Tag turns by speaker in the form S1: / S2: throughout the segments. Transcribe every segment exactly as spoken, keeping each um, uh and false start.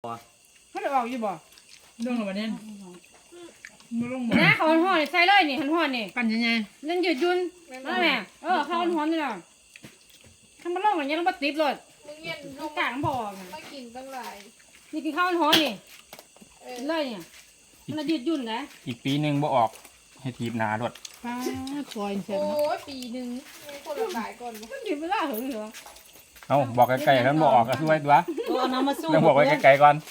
S1: เขาจะออกอยู่บ่เรื่องอะไรเนี่ยมาลงบ่
S2: นะเขาห่อใส่เลยนี่หันห่อนี่
S1: กันยังไง
S2: เล่นยืดยุ่นนั่นแหละเออเขาห่อนี่แหละทำมาลงอย่างนี้แล้วมาติดเลย
S3: มึงเย็นล
S2: ต้อง
S3: ง
S2: กลางบ่อ
S3: มากินตั้งหลาย
S2: นี่กินข้าวห่อนี่เลยเนี่ยมันยืดยุ่นนะ
S4: อีกปีหนึ่งบ่ออกให้ทีบหนารถ
S1: ป้าซอยเสร็จ
S3: โอ้
S1: เนาะ
S3: ยปีหนึ่งคนละหลายก่อน
S2: มันยืดเวลาเหรอเหรอ
S4: เอาบอกไกลๆแล้วบ่ออกก็ช่วยตัว
S2: เอาน้ำมาสู้
S4: ต้องบอกไว้ไกลๆก่อน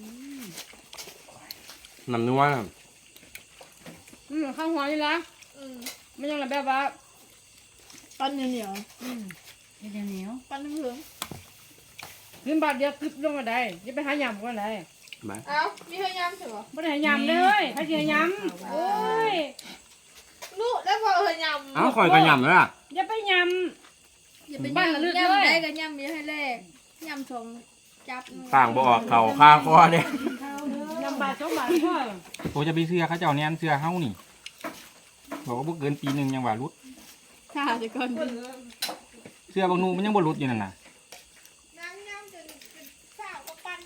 S5: น้ำนัว
S2: อืมข้าวห่อนี่ละ
S3: อืม
S2: ไม่ยังแบบว่า
S3: ปั้นเหนียว
S2: อืมเหนียวเหนียว
S3: ปั้นเหลือง
S2: ขึ้นบาทเดียวคลิปลงมาได้จะไปหายำก็ได้
S5: มา
S3: เอ้ามีเฮยำใช่ปะ
S2: ไม่ได้หายำเลยใครจะหายำโอ้ย
S3: ลูกได้พอเฮยำ
S5: เอ้าคอยกระยำเลยล่ะ
S2: อย่าไปย
S3: อย่าไป
S2: บ้านละลึก
S3: ยำ
S2: เลย
S3: ได้กันยำมีให้แรกยำชงจับ
S5: ต่างบ่ออกเข่าคาคอเนี่ย
S2: ำยำบาทสองบาทพ่อ
S4: โอ้จะไปเสื้อเขาเจ้าเนี่ยเสื้อเฮานี่บอกว่าบ่เกินปีหนึ่งยังว่ารุด
S3: ค่ะเดี๋ยวก่อน
S4: เสื้อบางนูมันยังบ่รุดอยู่นั่นน่ะ
S3: น้ำยำจนเป็นข้าวก็ปั้น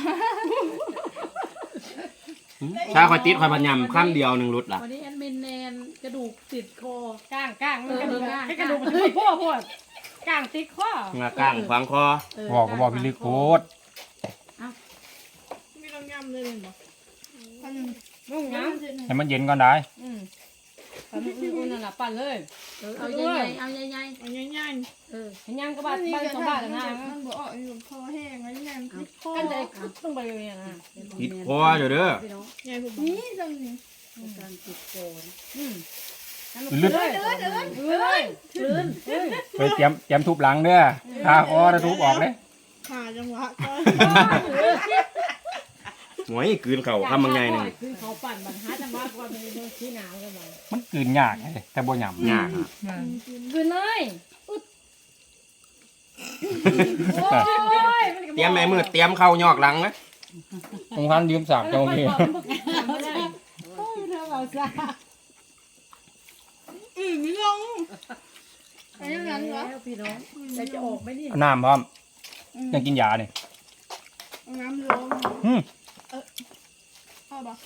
S5: ถ้าคอยติดคอยบัญญัติข้ามเดียวหนึ่งรุดล่ะ
S1: วันนี้แอดมินแนนกระดูกติดคอ
S2: ก้างก้างมันกระดูก
S1: เออ
S2: ให้กระดูกมันช่วยพ่อพ่อก้างติดข้อ
S5: งาก้างขวางคอ
S4: บอกก็บอกพี่ลึกโคตร
S3: มีลองยำเลยเหรอปั้น
S2: มุ่งน้
S4: ให้มันเย็นก่อนได้
S2: ำอืมปั่นอุ่นๆนั่นแหละปั่นเลย
S1: เออเอาใหญ่ๆเอาใหญ่
S3: เอาง่าย
S1: ๆเออ
S2: เห็นยังก็
S3: ๆ
S2: บาทบ้านสองบาทแล้วนะ
S3: มันบอกอ๋ออยู่คอแห้งแล้วยำติดคอ
S2: กันใจต้องไปเลยนะ
S5: ติดคออยู่เด้อ
S1: พี่น้อง
S3: ใหญ่ผมนี่จังนี่
S1: การติดคอ
S2: อืม
S4: ลึก
S2: เลยเลยเลย
S1: คลื่น
S4: ไปเตรียมเตรียมทุบหลังเด้อคาคอแล้วทุบออกเลย
S3: ขาจังหวะก็
S5: หวยกลืนเข่าคำบางไงหนึ่ง
S2: คือเขาปั่นบันหาจังหวะก่อนเป็นเรื่องที่หนาวกันไป
S4: มันกลืนยากเลยแต่บ่หยำ
S5: ยากอะ
S2: คือเลยอึดโอ้ย
S5: เตรียมแม่มือเตรียมเข่ายอกหลังนะ
S4: ผมคันยืมสากเจ้าพี่
S3: อืมมีลงไอ้ยังไงวะ
S1: แล้วพี่น้องแต่จะออกไหมนี่
S4: เอาน้ำพร้อมยังกินยาเนี่ย
S3: น้ำลง
S4: อืม
S3: เข้าปะ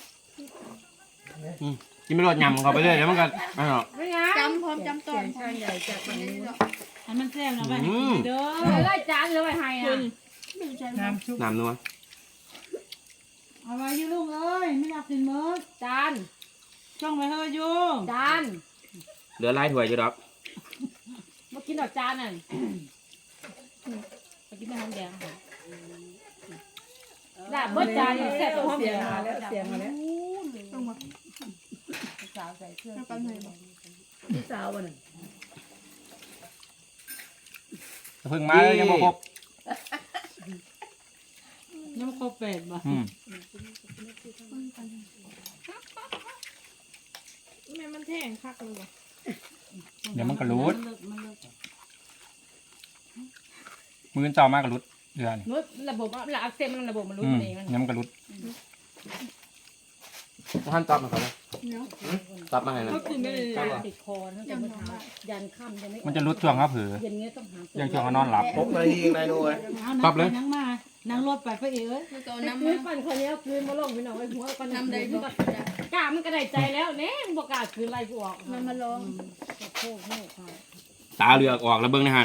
S5: กินไม่รอดยำเข้าไปเรื่อยแล้วมันก็อ้าว
S2: ไม่ไง
S3: จำพร้อมจำตอน
S1: ช่างใหญ่จากฝั่งนู้น
S6: อันมันแซ่บนะไป
S5: อืม
S1: เด้อ
S2: ไล่จานเลยไปให้อ่ะ
S1: น้ำชุบ
S5: น้ำนัว
S6: เอาไว้อยูลุงเอ้ยไม่อยากกินมื้อ
S2: จาน
S6: จ้องไว้เฮ้ยอยู
S2: จาน
S5: เหลือหลายถ้วยอยู่ดอก
S2: มากินดอกจานน่ะมากินแม่หอมแดงลาบเบิดจานแซ่บหอม
S1: เสี
S2: แด
S1: ยง
S2: ง
S1: มาแล้วเสียงมาแล้ว
S3: ต้องมา
S2: สาวใส่เครื่อง
S3: เอากันเลยบอก
S1: พี่สาววันนึง
S4: เพิ่งมาเลยยังบ่ครบ
S6: น้ำครบเป็ดบ่
S4: อืม
S3: แม่มันแท่งคักเลยบอก
S4: เดี๋ยวมันก็รูด
S6: มันเลิกมันเลิก
S4: มือเจ้ามากก็รุดเดือน
S2: นุชระบบระอักเสบมันระบบมันรู้
S4: อืม
S2: เองมัน
S4: ยังมันก็รุด
S5: ท่านตับมาเขาเลย
S3: เนาะ
S5: ตับมาให้นะ
S3: ก็กินไม่เลย
S2: ติดคอตั้งแต่เมื่อเช้ายันค่ำยังไม่
S4: มันจะรุดช่วงเขาเผือ
S2: เย็นเงี้ยต้องหา
S4: ยังช่วงเขานอนหลับ
S5: พกนาทีเองได้ด้วย
S6: เอา
S4: ปรั
S6: นั่
S4: บเลย
S6: งนั่งมานั่งรถไปไปเอ๋ย
S3: แล้วก็
S2: น้ำ
S3: น้ำ
S2: คื
S3: มาน
S2: ปั่นคนนี้คืนมาลงพี่น้องไอ้หัวปั่น
S3: น้ำใด
S2: คื
S3: บ
S2: น
S3: อก
S2: กล้ามันก็ได้ใจแล้วเน่บอกกล้าคืนไรกูออก
S3: น้ำมาลอง
S2: โค้งโค้งค่ะ
S5: ตาเหลือกออกแล้วเบิ้งในหัน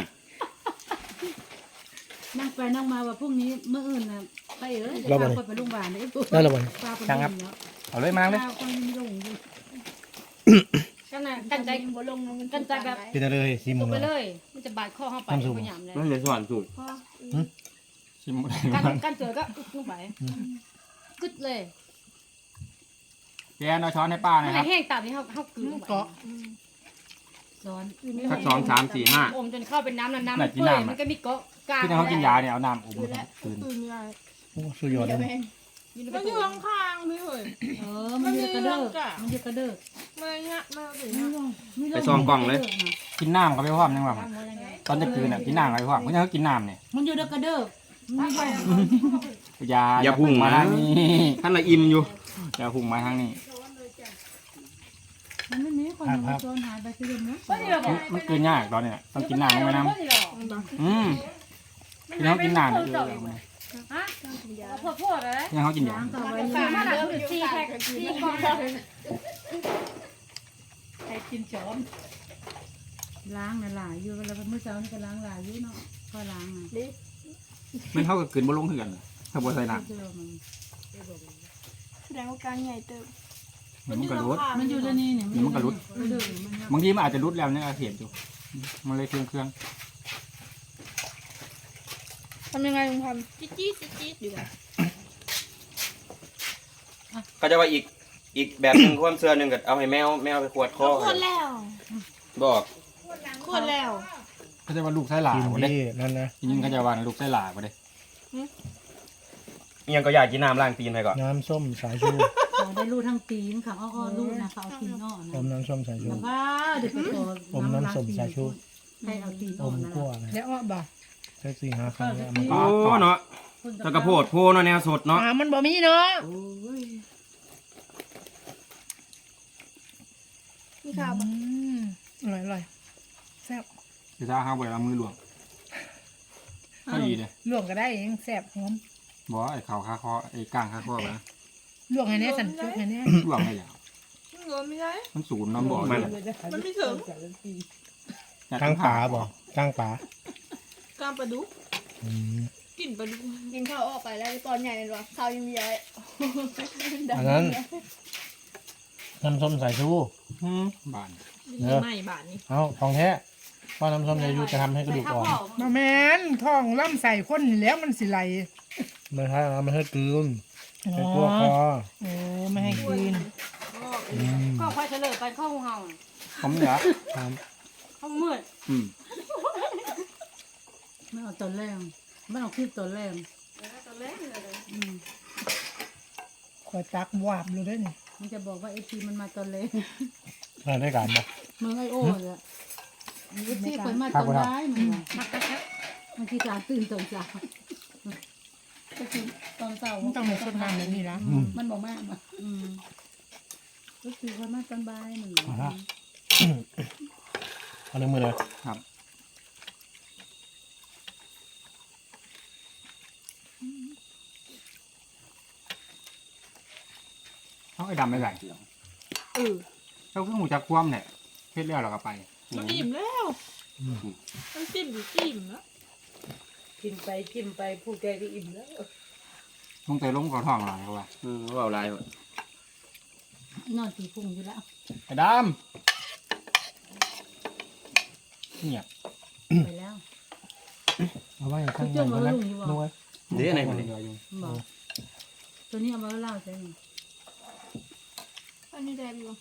S6: นั่งไปนั่งมาว่าพรุ่งนี้เมื่ออื่นน่ะไปเอ๋ยจะพาคนไปโรงพยาบาลได้ปุ๊บ
S1: ได้แล้ววัน
S6: พาไป
S4: ช่างครับ
S6: เนาะ
S4: เอาเลยมาเลย
S6: พาคนลงอยู่
S2: กันนะกันใจ
S3: บ่ลงมัน
S2: กันใจแบบ
S1: กินเลยซี
S2: ต
S1: มุ
S2: ก
S1: ง
S2: ไปเลยมันจะบาดข้อเข้าไปพยายามเลย
S5: นั่นเลยสวรรค์สุด
S4: ชิม
S2: กันกันเจอก็อึดลงไปกึดเลย
S4: แกนเอาช้อนให้ป้าห
S2: มั
S4: นะ
S2: น
S4: ครับ
S2: แห้งตามที่เขาเขาคืนลงไป
S6: ซ้อน
S5: สักสองสามสี่ห้า
S2: อมจนเข้าเป็นน้ำน้ำน้ำมันเปื่อยมันก็มีเกาะกลาง
S4: ที่เขากินยาเนี่ยเอาน้ำอมคืน
S3: ตื่นเลย
S1: สุดยอดเลย
S3: มันอยู่ข้างๆพี่เฮ้ย
S6: เออมันอยู่กระเด้อมันอยู่กระเด้อ
S3: มาเงี้ยมาสิ
S6: ไม่ลงไม่ล
S5: ไปซองกล่องเลย
S4: กินน้ำก็ไปพร้อมยังว่าตอนจะคืนน่ะกินน้ำก็ไปพร้อมเพราะฉะนั้นเขากินน้ำเนี่ย
S6: มันอยู่เด้อกระเด้อไม่ลง
S4: ยา
S5: อย่าพุ่งมา
S4: ทางนี้
S5: ท่านละอิ่มอยู่
S4: อย่าพุ่งมาทางนี้
S6: มันไม่มีคนมาโซนหายไปซื้อเนาะ
S2: ก็นี่เราบอก
S4: มันกินยากตอนเนี้ยต้องกินน้ำลงไปน้ำอืมกินเขากินน้ำเนี่ยเออ
S2: ฮะ
S3: ก้ามถุงยา
S2: เอาพวกพวกอะไร
S4: ยังเขากินอยู่
S6: ล้างต่อไป
S2: ซื้อมาหนักคือซีแพ็คซีกล่อง
S1: ใครกินจอม
S6: ล้างน่ะหลายอยู่เวลาเมื่อเช้านี่ก็ล้างหลายอยู่เนาะก็ล้างอ่ะ
S4: มันเท่ากับกินบ่ลงเหือนถ้าบ่ใส่น้
S6: เจอมัน
S3: แสดงว่าการใหญ่เติบ
S4: ำมันก็รุด
S6: มันอยู่ในนี่เนี่ย
S4: มันก็รุด
S6: มันอยู่มัน
S4: บางทีมันอาจจะรุดแล้วเนี่ยเห็นอยู่มันเลยเครื่องเครื่อง
S3: ทำยังไงลุงทำจี๊ดจี๊ดจี๊ดอยู่แบบ
S5: ก็จะว่าอีกอีกแบบหนึงความเชื่อหนึงก็เอาให้แมวแมวไปขวดคอ
S3: คนแล้ว
S5: บอก
S3: คนแล้ว
S4: เขาจะว่าลูกไส้หลา
S7: กิน
S4: บ่ได้
S7: ที่นั่นนะ
S4: จริงๆเขาจะว่าลูกไส้หลาบ่ได้
S5: อิหยังก็อยากกินน้ำล้างตีนให้ก่อน
S7: น้ำส้มสายชู
S6: เขาได้รูดทั้งตีนค่ะอ้อๆรูดนะเขาเอาตีนอ้อ
S7: อ
S6: นะ
S7: มน้ำส้มสายชู
S6: แล้วก็เดี๋ยวไปตัว
S7: อมน้ำส้มสายชู
S6: ให้เอาตีน
S7: อ
S6: อ้อ
S7: ม
S6: นะ
S7: กั้วนะ
S1: แล้วอ้อบ่
S7: ใช้สี่ห้าครั้งแล้วมัน
S5: โอ้เนาะตะกระโพดโพเนาะแนวสดเนาะ
S1: อ่ามันบ่มีเนาะ
S3: มีข่าว
S1: อื
S3: ปะ
S1: มอร่อยอร่อยแซ่บ
S4: คือถ้าเฮาบ่เอามือหลวงก็ดีเลย
S1: ลวกก็ได้เองแซ่บหอม
S4: บ่ไอ้เข่าคาคอไอ้ก้างคาคอนะ
S1: ลวกให้แน่สันจุกให้แน่
S4: หลวงได้แล้ว
S3: เงินไม่ได้
S4: มันสูนน้ำบ่อ
S5: มัน
S3: มันไม่ถึง
S7: ก้างปลาบ่ก้างปลา
S3: ก้ามปลาดุก
S7: อืม
S3: กินปลาดุกกินข้าวออกไปแล้วตอนใหญ่เลยหรอข้าวยังใหญ่
S7: อันนั้นน้ำส้มสายชู
S4: หืมบาน
S3: ไม่บาทนี้
S7: เอาของแท้เพราะน้ำส้มสายชูจะทำให้กระดูกอ่อน
S1: มาแม่นท้องล่ำใส่คนนี่แล้วมันสิไหล
S7: ไม่ใช่เอาไม่ให้กลืน
S1: อ๋
S7: ใส่
S1: อ
S7: ตัวคอ
S1: โอ้ไม่ให้กิน
S7: อืม
S2: ก็ค่อยเฉลยไปเข้าห้อง
S4: ผมเหนือ
S7: ครับ
S2: เข้ามืด
S4: อืม
S6: ไม่เอาตอนแรกไม่เอาคลิปตอนแรกอืม
S1: ขอยตักวาบเลยได้อนี่
S6: มันจะบอกว่าเอทีมันมาตอนแรก
S7: มาได้การบ่
S6: เมืองไอโอ้เลยเอทีเปิดมาตอนร้ายมันว่ะมันคือการตื่นตอนเช้าก็คือตอนเช้า
S1: มันต้องมีสดน้ำแบบนี้ละ
S7: อืม
S6: มันบอกมากมาอืมก็คือคนมาตอนบ่ายหนึ่ง
S7: เอาละ เอาในมือเลย
S4: ครับเขาไอ้ดำไม่ใส่
S3: เออ
S4: เขาเพิ่งหูจักคว่ำเนี่ยเพชรแล้วเราก็ไป
S3: มันอิ่มแล้วมันจิ้มอยู่จิ้มแล้ว
S1: กินไปกินไปผู้แกก็อิ่มแล้ว
S4: ลงแต่ลงกระท้องหน่อยเขาว่า
S5: อืมว่าเอาลายว่ะ
S6: นอนตีพุงอยู่แล้ว
S4: ไอ้ดำเนี่ย
S6: ไปแล้ว
S7: เอาไว้ข้างในก่อนนะนวด
S5: เดี๋ยวไหนมัน
S4: เดี๋
S5: นี่
S4: ยวอยู่
S6: บอกตัวนี้เอามาเล่าใช่ไหม
S3: อันนี้แดงอยู่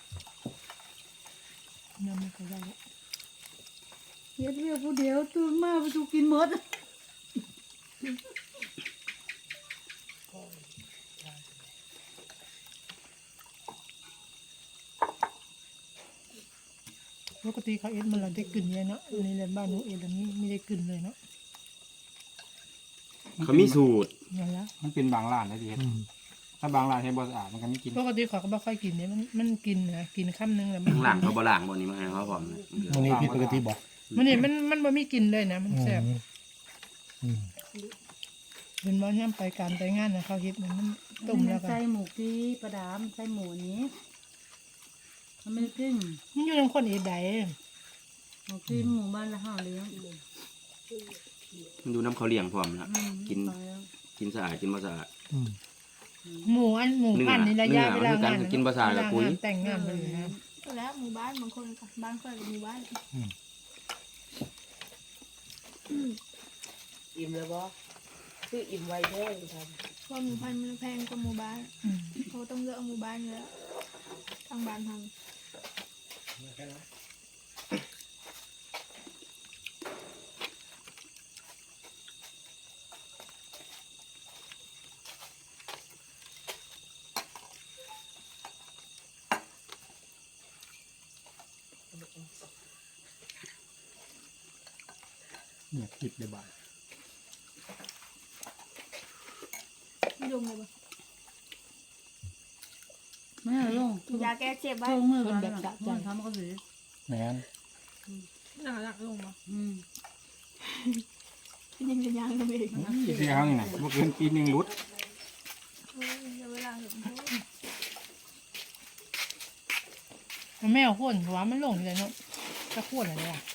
S1: น้ำไม่ค่อยได้ละ
S6: เฮ็ดเวียผู้เดียวตื่นมาไปถูกกินหมด
S1: ปกติเขาเอ็ดมันเราได้กลิ่นเนี่ยเนาะในเรือนบ้านหนูเอ็ดอันนี้ไม่ได้กลิ่นเลยเนาะ
S5: เขามีสูตร
S1: นั่นละ
S4: มันเป็นบางร้านนะที่เฮ็ด
S7: อืม
S4: ถ้าบางร้านเฮ็ดบ่สะอาดมันก็ไม่กิน
S1: ปกติเขาก็ไม่ค่อยกินเนี่ยมันมันกินนะกินคำนึงแล้วมัน
S5: ข้างหลังเขาบ่ล้างบ่นี่มาให้เขาพร้อมนะ
S7: วันนี้ผิดปกติบ่
S1: มันนี่มันมันบ่มีกลินเลยนะมัน
S7: อืม
S1: แซ่บ
S7: อืม
S1: เป็นบ่ย่ำไปการไปงานนะเขาเฮ็ดมันมันต้มแล้วก็
S6: ใส่หมูกีประดามใส่หมูนี้มันไม่ขึ้น
S1: มันอยู่ในคนเอ็ดใด
S6: หมูกีหมูบ้านละห้าเลี้ยง
S5: มันดูน้ำเขาเลี้ยงพร้อมนะ
S6: อืม
S5: กิน กินสะอาดกินบ่สะอาด
S7: อืม
S1: หมูอันหมูพันธุ์นี่ระยะ
S5: เนื้
S1: เว
S5: อ
S1: ลา
S5: เนื้อ
S1: งาน
S5: มันคือการกินภาษากับปุ๋ย
S1: เวลงนแต่งงานมันนะ
S3: แล้วหมู่บ้านบางคนบ้านเคยกับหมู่บ้าน
S8: อิ่มแล้วบ่คืออิ่มไวแท้เลยครับ
S3: เพราะหมู่บ้านมันแพงกว่าหมู่บ้าน
S1: อืม
S3: เขาต้องเลือกหมู่บ้านอยู่แล้วทางบ้านทำ
S4: เนี่ยผิดเลยบ่าย
S3: ไม่ลงเลยปะ
S6: ไม่เอาลง
S3: ยาแก้เจ็บไว้
S6: ลงมือกันแบบมันทำก็เสีย
S7: แหนน
S3: หนักหนักลงมา
S6: อืม
S3: ยังจะยังก็ไม่ได้
S4: เสื้อเฮานี่นะบ่เกินปีหนึงหลุด
S1: มันไม่เอาข้นเพราะว่ามันลงอยู่เลยเนาะจะข้นอะไรอ่ะ